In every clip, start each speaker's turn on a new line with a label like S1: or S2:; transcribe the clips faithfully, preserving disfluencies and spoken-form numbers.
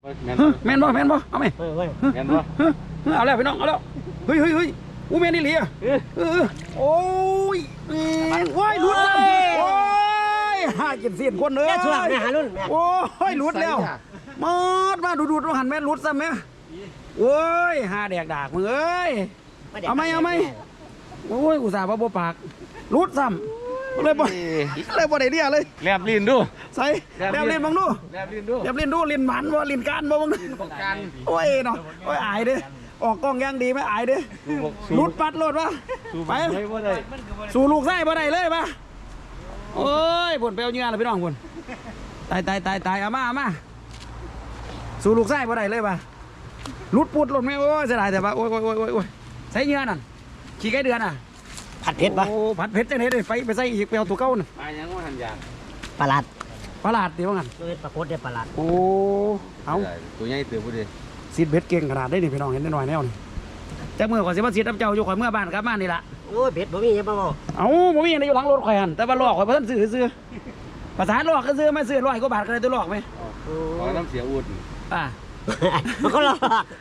S1: แม่นบ่แม่นบ่เอาไหมแม่นบ่เอาแล้วพี่น้องเอาแล้วเฮ้ยเฮ้ยเฮ้ยอู้แม่นนี่เหลียเออโอ้ยว้ายหลุดแล้วโอ้ยหากินเสียนคนเลยโอ้ยหลุดแล้วมาดมาดูดูดูหันแม่หลุดซ้ำไหมโอ้ยหาแดกดากมึงเอ้ยเอาไหมเอาไหมโอ้ยอุตส่าห์บ่บ่ปากหลุดซ้ำเลยบ่เลยบ่ได้เรียเลย
S2: แลบลิ้นดู
S1: ใส่แลบลิ้นบังดู
S2: แลบลิ้นดู
S1: แลบลิ้นดูลิ้นหมันบ่ลิ้นการบ่บังโอ้ยเนาะโอ้ยอายเด้ออกกล้องยังดีไหมอายเด้ลุดปัดรถวะไปสู่ลูกไส้บ่ได้เลยปะโอ้ยผลเปลวเนื้อเลยพี่น้องผลตายตายตายตายเอามาเอามาสู่ลูกไส้บ่ได้เลยปะลุดปุดหล่นไม่โอ้ยเสียดายแต่ปะโอ้ยโอ้ยโอ้ยโอ้ยใส่เนื้อนั่นขี้ไก่เดือนอ่ะ
S3: ผัดเผ็ดปะ
S1: โอ้ผัดเผ็ดจังเลยไปไปใส่อีกเปลวตัวเก่าน่ะ
S2: ไปยังว่าหันยาง
S3: ปลาหลาด
S1: ปลาหลาดดีว่างั้น
S3: เป็นปลาโคตรเด็ดปลาหลาด
S1: โอ้เอา
S2: ตัวใหญ่ตัวผู้ดี
S1: ซีดเบ็ดเก่งขนาดได้นี่พี่น้องเห็นได้หน่อยแนวนี่จากเมื่อก่อนสิว่าซีดน้ำเจ้าอยู่ข่อยเมื่อบ้านครับบ้านนี่ละ
S3: โอ้ยเบ็ดบ่มียังบ่บ่
S1: เอ้าบ่มีอะไรอยู่หลังรถข่อยหันแต่ว่าลอกข่อยเพิ่นซื้อซื้อภาษาลอกก็ซื้อไม่ซื้อร้อยกว่าบาทก็ได้ตัวลอกไหม
S2: ขอน้ำเสียอุด
S1: อ่า
S3: มันก็ลอก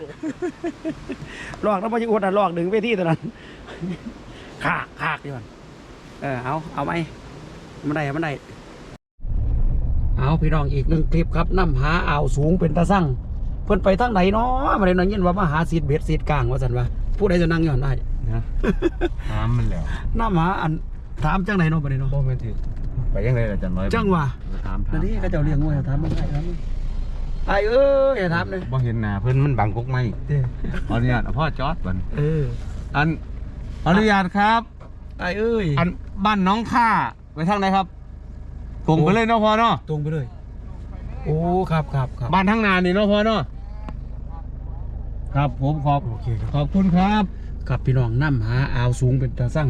S1: ลอกแล้วพอจะอุดอ่ะลอกดึงเวทีตัวนั้นขากขากดิมันเออเอาเอาไหมมันได้มันได้เอาพี่น้องอีกหนึ่งคลิปครับน้ำหาอ่าวสูงเป็นตาสั่งเพิ่นไปทางไหนเนาะมาเลยนอนยินว่ามาหาซีดเบ็ดซีดกลางว่าสันว่าผู้ใดจะนั่งย้อนได้
S2: นะถามมันแล้ว
S1: น้ำหาอันถามจังไหนเนาะประเด็นเนาะ
S2: บ่แม่นสิไปยังไงล่ะจันน้อย
S1: จังว่า
S2: ถาม
S1: นั่นนี่ก็เจ้าเลี้ยงงูถามมันได้ครับไอ้เอ้ยอย่าถามเลย
S2: บ่เห็นหน้าเพิ่นมันบังกกไม้ขออนุญาตพ่อจอดบัด
S1: เออ
S2: อันขออนุญาตครับ
S1: ไอ้เอ้ย
S2: อันบ้านน้องข้าไปทางไหนครับตรงไปเลยเนาะพ่อเนาะ
S1: ตรงไปเลยโอ้ครับครับครับ
S2: บ้านทางนานี่เนาะพ่อเนาะครับผมขอบ
S1: โอเค
S2: ขอบคุณครับ
S1: กับพี่น้องน้ำหาอ่าวสูงเป็นตาสั่ง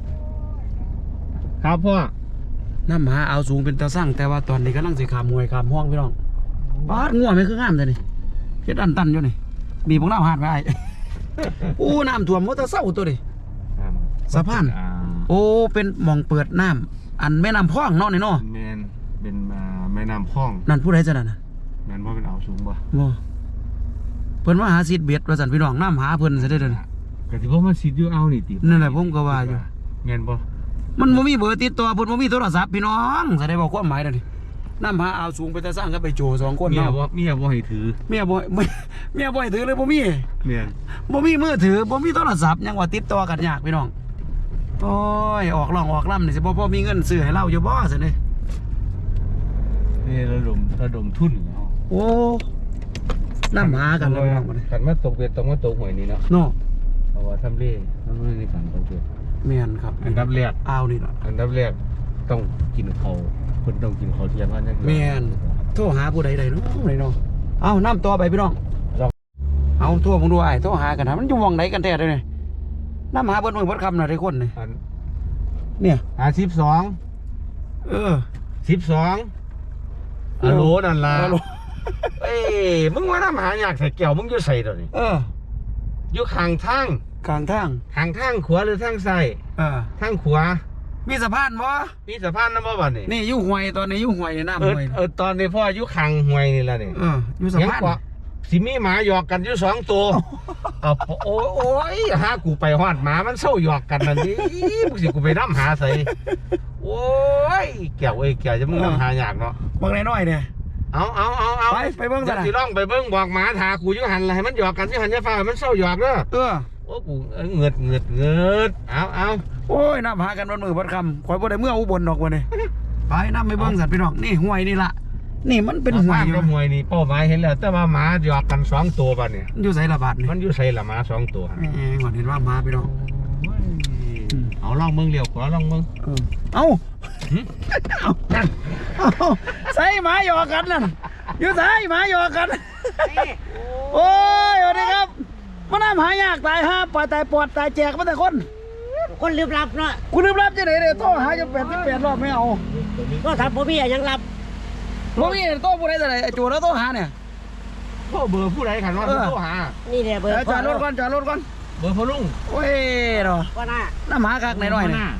S2: ครับพ่อ
S1: น้ำหาอ่าวสูงเป็นตาสั่งแต่ว่าตอนนี้กำลังสิขามมวยขามห้องพี่น้องบาดง่วงไม่คืองามเลยนี่เฮ็ดอันตันอยู่นี่มีพวกน้ำหาดไว้โอ้น้ำท่วมมอเตอร์เศร้าตัวดิสะพานโอ้เป็นหม่องเปิดน้ำอันแม่น้ำพ่องเนาะนี่เนาะ
S2: แมนเป็นแม่น้ำพ่อง
S1: นั่นผู้ใดจะนั่นน่ะ
S2: แมนว่าเป็นอ่าวสูงป่ะ
S1: บ่เพิ่นว่าหาซีดเบ็ดว่าซั่นพี่น้องน้ำหาเพิ่นซะได้เด้อ
S2: ก็สิบ่มาซีดอยู่เอานี่ติ
S1: นั่นแหละผมก็ว่าอยู่
S2: แม่นบ่
S1: มันบ่มีเบอร์ติดต่อเพิ่นบ่มีโทรศัพท์พี่น้องแสดงว่าความหมายนั่นนี่น้ำหาอ่าวสูงไปแต่สร้างก็ไปโจสองคน
S2: เมีย
S1: เนาะ
S2: บ่เมียบ่ให้ถือ
S1: เมียบ่เมียบ่ให้ถือเลยบ่มี
S2: แม่น
S1: บ่มีมือถือบ่มีโทรศัพท์ยังว่าติดต่อกันยากพี่น้องโอ้ยออกร่องออกลำนี่สิบ่พอมีเงินซื้อให้เราอยู่บ่ซั่นนี่
S2: นี่ระดมระดมทุน
S1: โอ้น้ำหากันแล้วพี่น้อง
S2: คันมาตกเบ็ดต้องมาตกหวยนี่เนาะ
S1: เนาะ
S2: เพราะว่าทำเลทำเลในการตกเบ็ด
S1: แม่นครับ
S2: อันดับแรก
S1: อ้าวนี่ล่ะ
S2: อันดับแรกต้องกินข้าวเพิ่นต้องกินข้าวเที่ยงกันจัง
S1: แม่นโทรหาผู้ใดได้เนาะไหนเนาะเอ้าน้ำต่อไปพี่น้องเอาโทรผมดูอ้ายโทรหากันนะมันอยู่วงไหนกันแท้เด้อนี่น้ำหาเบิ่นมื้อเบิ่นค่ำน่ะได้คนนี่เนี่ย
S2: หาสิบสอง
S1: เออ
S2: สิบสองอะโหลนั่นล่ะเอ้มึงว่าน้ำหาอยากใส่แก้วมึงอยู่ใส่ตัวนี้
S1: เออ
S2: อยู่ข้างทาง
S1: ข้างทาง
S2: ข้างทางขวาหรือทางซ้าย
S1: เออ
S2: ทางขวา
S1: มีสะพานบ่
S2: มีสะพานนำบ่บัดนี้
S1: นี่อยู่ห้วยตอนนี้อยู่ห้วยน้ำห้วย
S2: เออตอนนี้พ่ออยู่ข้างห้วยนี่ล่ะนี่
S1: เอออยู่สะพาน
S2: สิมีหมาหยอกกันอยู่สองตัวเอาโอ้โอ้ยหากูไปฮอดหมามันเศร้าหยอกกันนั่นดิมึงสิกูไปนำหาใส่โอ้ยแก้วเอ้ยแก้วจะมึงนำหายากเนาะ
S1: บางน้อยๆเนี่ย
S2: เอาเอาเอาเอา
S1: ไปไปเบิ่งซะ
S2: สิลองไปเบิ่งบอกหมาถากูอยู่หันล่ะให้มันหยอกกันอยู่หันอย่าฟ้ามันเศร้าหยอกเด้อ
S1: เออ
S2: โอ้กูเงือดเงือดเงือดเอาเอา
S1: โอ้ยน้ำหากันวันมือวันคำข่อยบ่ได้เมื่ออุบลดอกวันนี้ไปน้ำไปเบิ่งสัตว์พี่น้องนี่ห้วยนี่ละนี่มันเป็นห้วย
S2: อยู่ห้วยนี่เป้าหมายเห็นแล้วแต่ว่าหมาหยอกกันสองตัวบัดนี้
S1: อยู่ไสละบาดนี่
S2: มันอยู่ไสละหมาสองตัว
S1: แหมก่อนเห็นว่าหมาพี่น้อง
S2: เอาลองเบิ่งเลี้ยวขวาลองเบิ่ง
S1: เอ้าเอานั่นใส่หมาหยอกกันนั่นอยู่ใส่หมาหยอกกันโอ้ยสวัสดีครับมันน้ำหายากตายห้าปล่อยตายปอดตายแจกมาแต่คน
S3: คนลืมรับเนาะ
S1: กูลืมรับจะไหนเลยโต้หาจะแปดสิบแปดรอบไม่เอา
S3: ก็ทำพ่อพี่ยังรับ
S1: พ่อพี่โต้ผู้ใดจะไหนจูแล้วโต้หาเนี่ย
S2: โต้เบอร์ผู้ใดขันว่าโต้หา
S3: นี่เนี่ยเบอร์
S1: จอดรถก่อนจอดรถก่อน
S2: เบอร์พลุง
S1: โอ้ยเนาะ
S3: ก็น่า
S1: น้ำหาคักหน่อยเนี่ย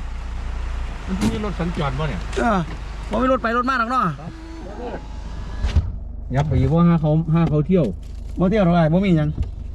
S2: มันมีรถสัญจรป่ะเนี่ย
S1: เออผมไม่รถไปรถมาหรอกเนาะ
S2: ยับไปอีกว่าห้าเขาห้าเขาเที่ยว
S1: บ่เที่ยวเท่าไหร่บ่มีหยัง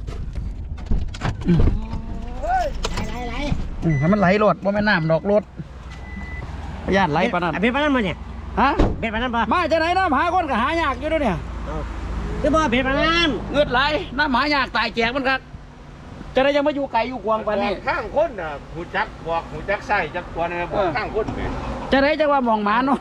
S3: ไหลไหล
S1: อืมให้มันไหลรถบ่แม่นน้ำดอกรถพยานไหลปานนั้น
S3: เป็นปานนั้นมาเนี่ย
S1: ฮะ
S3: เป็นปานนั้นปะ
S1: มาจากไหนน้ำหาคนก็หายากอยู่เด้วยเนี่ย
S3: คือบ่เป็นปานนั้น
S1: เงือดไหลน้ำหายากตายแจกมันครับจะได้ยังมาอยู่ไกลอยู่กวางปานนี้
S2: ข้างคนน่ะหูจักบอกหูจักใส่จักตัวนี่บอกข้างคนไป
S1: จะได้จะว่ามองหมาเนาะ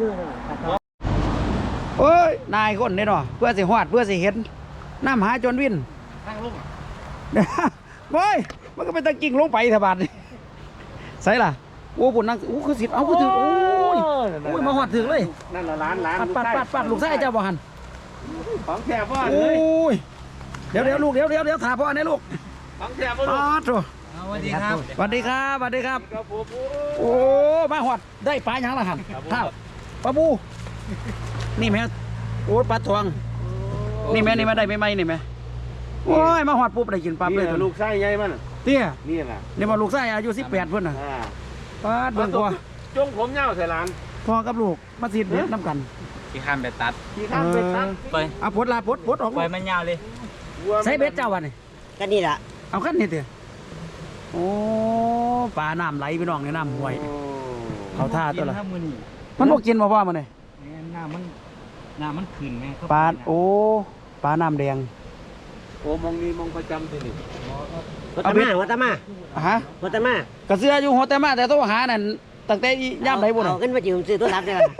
S1: โอ้ยนายคนนี่เนาะเพื่อสิฮอดเพื่อสิเห็นน้ำหาจนวิน
S2: ข้างลง
S1: เนี่ยโอ้ยมันก็เป็นตะกิ่งลงไปเถอะบาดนี่ใส่ล่ะโอ้ปุ่นนั่งโอ้คือสิเอาคือถึงโอ้ยโอ้ยมาฮอดถึงเลย
S2: นั่นละร้านร้าน
S1: ปัดปัดปัดปัดลูกชายเจ้าบ่หัน
S2: ของแท้พ่อ
S1: โอ้
S2: เลย
S1: ยเดี๋ยวเดี๋ยวลูกเดี๋ยวเดี๋ยวเดี๋ยวถามพ่อเนี่ยลูก
S2: ของแท้พ่อ
S1: อ๋
S2: ลู
S1: อก โถ
S2: สวัสดีครับ
S1: สวัสดีครับสวัสดีครับ
S2: ครับผม
S1: โอ้มาหอดได้ปลาหยังละหันข้าวปลาบู นี่แม่โอ้ปลาทอง นี่แม่นี่แม่ได้ไม่ไหมนี่แม่โอ้ยมาหอดปุ๊บได้กินปลาเลย
S2: ลูกไส้ใหญ่มัน
S1: เตี้ย
S2: นี่น่ะ
S1: นี่มาลูกชายอายุสิบแปดเพิ่นน่ะ
S2: อ่า
S1: ปลาเบิ่งพ่อ
S2: จงผมเงาใส่ร้าน
S1: พ่อกับลูกมาซีดเบ็ดน้ำกัน
S4: ที่ข้ามไปตัด
S2: ขี่ข้ามไปตัด
S4: ไป
S1: เอาพดลาพดพดออก
S4: ปล่อยมันยาวเลย
S1: ใส่เบ็ดเจ้าวันนี่
S3: ก็นี่ล่ะ
S1: เอาขั้นนี่เตี้ยโอ้ปลาน้ำไหลพี่น้องในน้ำห้วย เขาท่าตัวละ
S4: กินข้มือนี่
S1: มันบ่กินบ่พ่อมันนี่
S4: หน้ามันหน้ามันขึ้นไหมครับ
S1: ปลาโอ้ปลาน้ำแดง
S2: โอ้มองนี้มองประจำที่นี่
S3: วัตมาวัตมา
S1: อะฮะ
S3: วัตมาก
S1: ระเสืออยู่หัวแต่มาแต่โทรหานั่นตั้งแต่ย่ำไหนบุญ
S3: เอาขึ้นมายืมซื้อตัวรับได้ล่ะ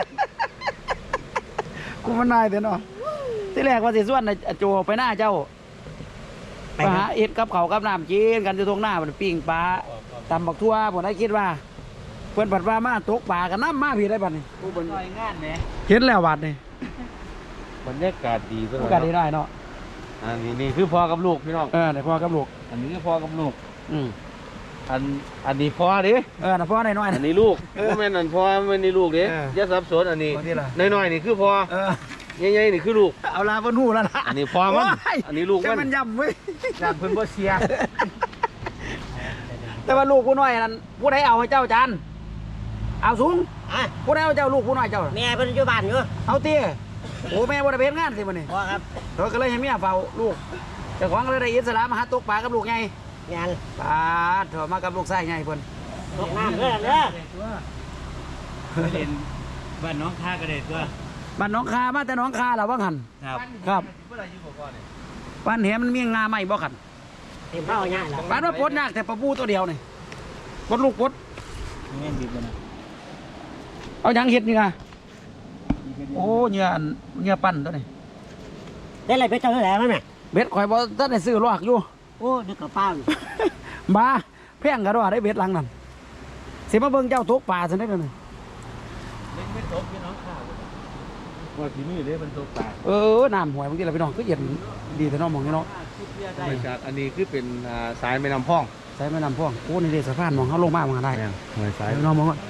S1: กูมันนายเด้อเนาะที่แรกว่าสิส่วนน่ะโจไปหน้าเจ้า
S3: ไป
S1: ไป
S3: ค
S1: หา
S3: รับ
S1: เอ็ดกับเขาวกับน้ำกินกันอยู่ตรงหน้ามันปิ้งปลาตำบักทั่วผมได้คิดว่า เพื่อนผัดปลามาตกปลากันน้ำมาพี่ได้บัดนี้
S4: ผู้เป็นงานเนี่ย
S1: เห็นแล้วบัดนี่
S2: บรรยากาศดีซะ
S1: โอกาสดีได้เนาะ
S2: อันนี้นี่คือพ่อกับลูกพี่น้อง
S1: เออได้พ่อกับลูก
S2: อันนี้คือพ่อกับลูก
S1: อืม
S2: อันอันนี้พ่อดิ
S1: เออน่ะพ่อได้น้อย
S2: อั
S1: นะ
S2: นนี้ลูกว่าแม่นอันพ่อแม่นนี่ลูกดิ
S1: เออ
S2: อย่าสับสนอันนี้
S1: คนที่ล่ะ
S2: น้อยๆนี่คือพ่อ
S1: เออ
S2: ใหญ่ๆนี่คือลูก
S1: เอาลาบนหูแล้วล่ะ
S2: อันนี้พ่อมัน
S1: โย
S2: อันนี้ลูกมัน
S1: แต่มันย่ำเว้ย
S2: อยากเพิ่นบ่เสีย
S1: แต่ว่าลูกผู้น้อยนั้นผู้ใดเอาให้เจ้าจานเอาสูง
S3: อ่ะ
S1: ผู้ใดเอาเจ้าลูกผู้น้อยเจ้า
S3: แม่เพิ่นอยู่บ้านอยู่
S1: เอาเตี้ยโอ้แม่บ่ได้ไปเฮ็ดงานสิมื้อนี้
S3: พอครับ
S1: เธอก็เลยให้เมียเฝ้าลูกเจ้าของก็เลยได้อิสระมาหาตกปลากับลูกไง
S3: งาน
S1: ปลาเถอะมากับลูกชายไงเพิ่น
S3: ตกน้ำเด้อเด้อ
S4: ไปเรียนบ้านน้องท่ากระเด็ดตัว
S1: บ้านหน้องคามาแต่หน้องคาล่ะว่าหัน
S4: ครับ
S1: ครับบ้านแหมันมีงาใหม่บ่ขัน
S3: เต็มเป้าง่ายแล้ว
S1: บ้านว่าปลดยากแต่ปลาบูตัวเดียวนี่ปลดลูกปลด
S4: แม่นดีบ่นะ
S1: เอาหยังเฮ็ดนี่นะโอ้เหงื่ออันเหงื่อปั่นตัวนี้
S3: ได้อะไรไปเจ้าเท่าไหร่มั้ยแม่
S1: เบ็ดข่อยบ่ทันได้ซื้อลอกอยู่
S3: โอ้นึกกระเป๋าอยู่
S1: บ้าแพงกะดอได้เบ็ดหลังนั่นสิมาเบิ่งเจ้าตกปลาซั่นได้อนี่
S4: เล่นไม่ตกพี่น้องข้าวว่าที่นี่เลยมันตกปลา
S1: เออน้ำห้วยบางทีล่ะพี่น้องก็เย็นดีแต่น้องมองนี่เนาะ
S2: บรรยากาศอันนี้คือเป็นอ่าสายแม่น้ำพอง
S1: ใส่แม่น้ำพ่วงโอ้นี่เด้สะพานมองเฮาลงมามันได้
S2: หอยสาย
S1: พี่น้องมองก่อน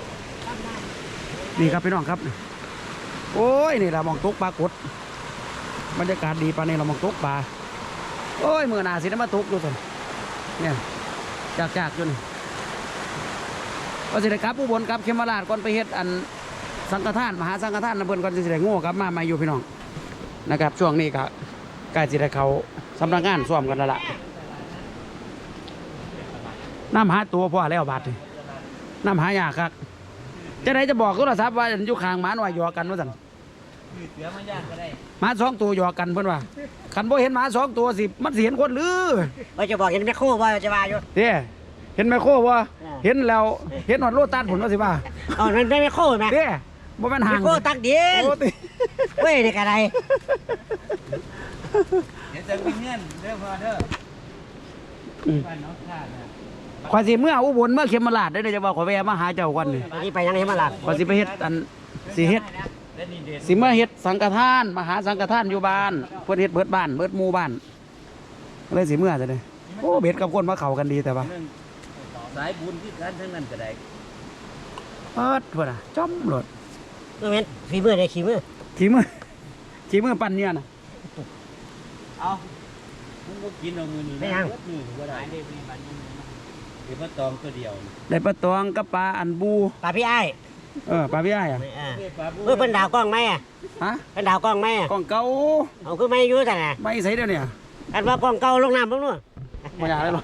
S1: นี่ครับพี่น้องครับโอ้ยนี่เรามองตกปลากดบรรยากาศดีปานนี้เรามองตกปลาโอ้ยมือหนาสิได้มาตกดูสิเนี่ยจากจากอยู่นี่ก็สิได้กลับอุบลกลับเขมราชก่อนไปเฮ็ดอันสังฆทานมหาสังฆทานนะเพิ่นก่อนสิได้โง่กลับมามาอยู่พี่น้องนะครับช่วงนี้ก็ใกล้สิได้เขาสำนักงานซ่อมกันแล้วล่ะน้ำหาตัวพ่อแล้วบาดนี่น้ำหายากครับจะได้จะบอกโทรศัพท์ว่าอยู่ข้างหมาหน่อยหยอกกันว่าสั่น
S4: เสือมันยากก็ได้
S1: หมาสองตัวหยอกกันเพิ่นว่าคันบ่เห็นหมาสองตัวสิมันสิเห็นคนหรือ
S3: ว่าจะบอกเห็นแม่โคว่าจะว่าอยู่
S1: เด้เห็นแม่โคบ่เห็นแล้วเห็นฮอดโลตัสผลว่าสิว่า
S3: อ๋อมันไม่แม่โคแม่
S1: เด้บ่แม่นห่า
S3: แม่
S1: ง
S3: โคตักดิน
S1: โอ้ติ
S3: เว้ยนี่กระไร
S4: เดี๋ยวจะมีเงินเด้อพ่อเด้อ
S1: อืม
S4: บ้านน้องท่านะ
S1: ข่อยสิเมื่ออุบลเมื่อเขมราชได้อเด้อจะว่าข่อยแวะมาหาเจ้าก่อนนี่
S3: อันนี้ไปยังไงมาล่ะ
S1: ข่อยสิไปเฮ็ดอันสิเฮ็ด
S4: และนี่เด่น
S1: สิมาเฮ็ดสังฆทานมหาสังฆทานอยู่บ้านเพิ่นเฮ็ดเบิดบ้านเบิดหมู่บ้านเลยสิเมื่อซะเด้อโอ้เบ็ดกับคนมาเข้ากันดีแต่ว่า
S4: เรื่องสายบุญที่กันทั้งนั้นก็ได้
S1: เปิดพุ่นน่ะจ้อมโลด
S3: เมื่อเว้นฝีมือได้ขี้มือ
S1: ขี้มือขี้มือปั่นเนี่ยน่ะ
S4: เอามึงก็กินเอามือนี่นะมือก็ได้เดี๋ยวมาตองตัวเดียว
S1: ได้ปลาตองกับปลาอันบู
S3: ปลาพี่ไอ้าย
S1: เออปลาพี่ไอ้อะ
S3: ไม่อ่าเมื่อเป็นดาวกล้องไหมอ่ะ
S1: ฮะ
S3: เป็นดาวกล้องไหมอ่ะ
S1: กล้องเก่า
S3: เอาคือไม่อยู่แต่น่ะ
S1: ไม่ใส่เดี๋ยวนี้
S3: อันว่ากล้องเก่าลงน้ำบ้างนู่น
S1: ไม่อยากได้หรอก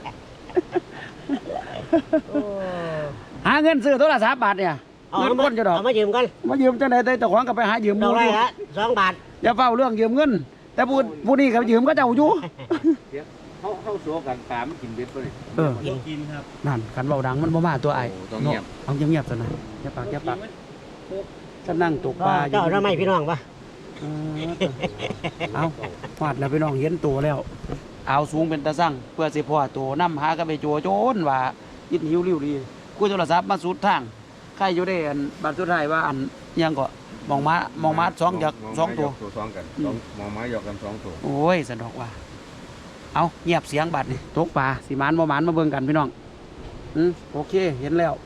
S3: โอ้
S1: หาเงินซื้อโทรศัพท์บาทเนี่ย
S3: เอา
S1: เงิน
S3: มา
S1: ก้นจะดอก
S3: เอามายืมกัน
S1: มายืมจังได๋แต่เจ้าของก็ไปหายืม
S3: ดอกไร
S1: อยู่
S3: ละสองบาท
S1: อย่าเฝ้าเรื่องยืมเงิน แต่ผู้ผู้นี้ก็ยืมก็เจ้าอยู่
S4: เขาเขาสัวกันปลามันกินเบ็ดป่ะนี่
S1: เออ
S4: บ่กินครับ
S1: นั่นคันเบาดังมันบ่มาตัวไอ้
S4: โอ้ต้องเงียบ
S1: เอาเงียบๆซะนะอย่าปากอย่าปากฉันนั่งตกปลาอยู่
S3: เจ้าทำไมพี่น้องปะ
S1: เออเอาหอดแล้วพี่น้องเห็นตัวแล้ว เอาสูงเป็นตะสั่งเพื่อสิพ่อตัวนำหากันไปโจโจนว่ายิดหิวริ้วดีกูโทรศัพท์มาสุดทางใครอยู่ได้อันบัดสุดท้ายว่าอันยังก็มองมามองมาสองจากสองตัว
S4: ตัวสองกันสองมองไม้หยอกกันสองตัว
S1: โอ้ยสะดอกว่า เอาเงียบเสียงบัดนี่ตกปลาสิหมานบ่หมานมาเบิ่งกันพี่น้องอืมโอเคเห็นแล้ว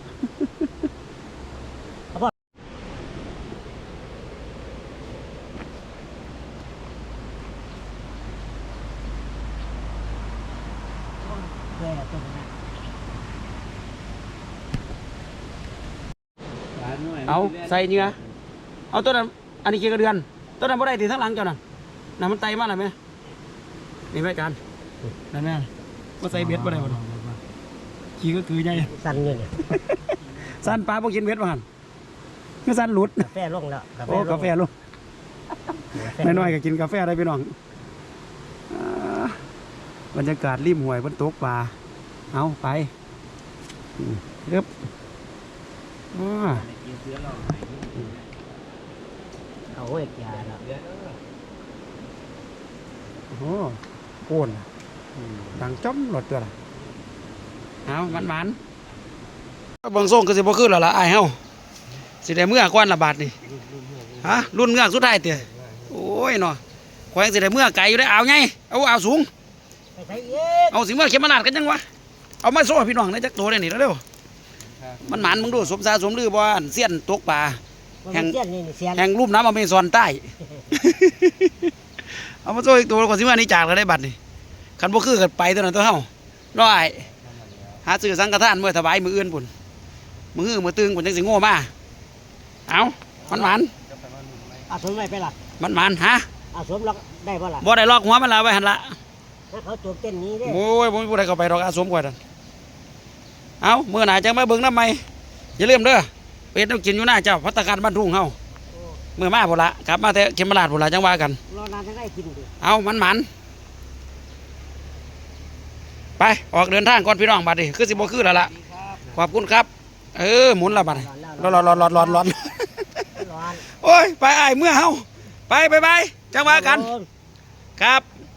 S3: เพื่อตัวนั้น
S1: เอาใส่เนื้อเอาตัวนั้นอันนี้กี่กระเดือนตัวนั้นบ่ได้ติทั้งหลังเจ้านั่นน่ะมันไตมาแล้วไหมนี่ไหมกันนั่นแม่บ่ใส่เบ็ดบ่ได้บ่ดอกขี้ก็คือใหญ่
S3: สั่นอยู่เนี่ย
S1: สั้นปลาบ่กินเบ็ดบ่หั่นคือสั้นหลุด
S3: กาแฟลงแล้ว
S1: โอ้กาแฟลูกน้อยๆก็กินกาแฟได้พี่น้องอ่าบรรยากาศริมห้วยบนตกปลาเอาไปอืมเรียบอ่า
S3: เอาไว้ยาแล้ว
S1: โอ้โหโอนดังจ้อมหลดตัวละเอามันมันๆเบิ่งส่งก็สิบ่ขึ้นแล้วล่ะอ้ายเฮาสิได้เมื่อก่อนละบาทนี่ฮะรุ่นเงือกสุดท้ายเตี้ยโอ้ยเนาะแขวงสิได้เมื่อไกลอยู่ได้เอาไงเอาเอาสูง
S3: ไปใส่เย็ด
S1: เอาสิเมื่อเข็มมานาดกันยังวะเอามาโซ่ให้พี่น้องในจักตัวได้นี่เร็วๆมันหมันมึงดูสมซาสมลือบ่อันเสี้ยนตกปลา
S3: มัน
S1: แห่ง
S3: เสี้ยนนี่เสียน
S1: แห่งรูปน้ำอเมซอนใต้ เอามาโซ่อีกตัวก่อนสิเมื่อนี้จากแล้วได้บัตรนี่คันบ่คือกันไปตัวนั้นตัวเฮาร้อยหาซื้อสังฆทานเมื่อถวายมืออื่นพุ่นมือมือตึงพุ่นจังสิโง่มาเอามันหมัน
S3: เอาสมไว้ไปล่ะ
S1: มันหมันฮะ
S3: เอาสมล็อกได้ป่ะล่ะ
S1: บ่ได้ลอกหัวมันละไว้หั่นละ
S3: ถ้าเขาตัวเต้นนี้เด้
S1: โอ้ยบ่มีผู้ใดเข้าไปดอกอาสมกว่านั่นเอามื้อหน้าจังมาเบิ่งนำใหม่อย่าลืมเด้อเป็ดต้องกินอยู่หน้าเจ้าภัตตาการบ้านทุ่งเฮา
S3: โอ้
S1: มื้อมาพุ่นละกลับมาแต่เขมราชพุ่นละจังว่ากัน
S3: รอนานจะได้กินดิ
S1: เอามันหมันไปออกเดินทางก่อนพี่น้องบัดนี้คือสิบ่คือแล้วล่ะขอบคุณครับ เออหมุนและบัดนี้ร้อนร้อนร้อนร้อนร้อนร้อน
S3: ร้อน
S1: โอ้ยไปอ้ายเมื่อเฮาไปไปไปจังว่ากัน
S3: โอ้
S1: ครับ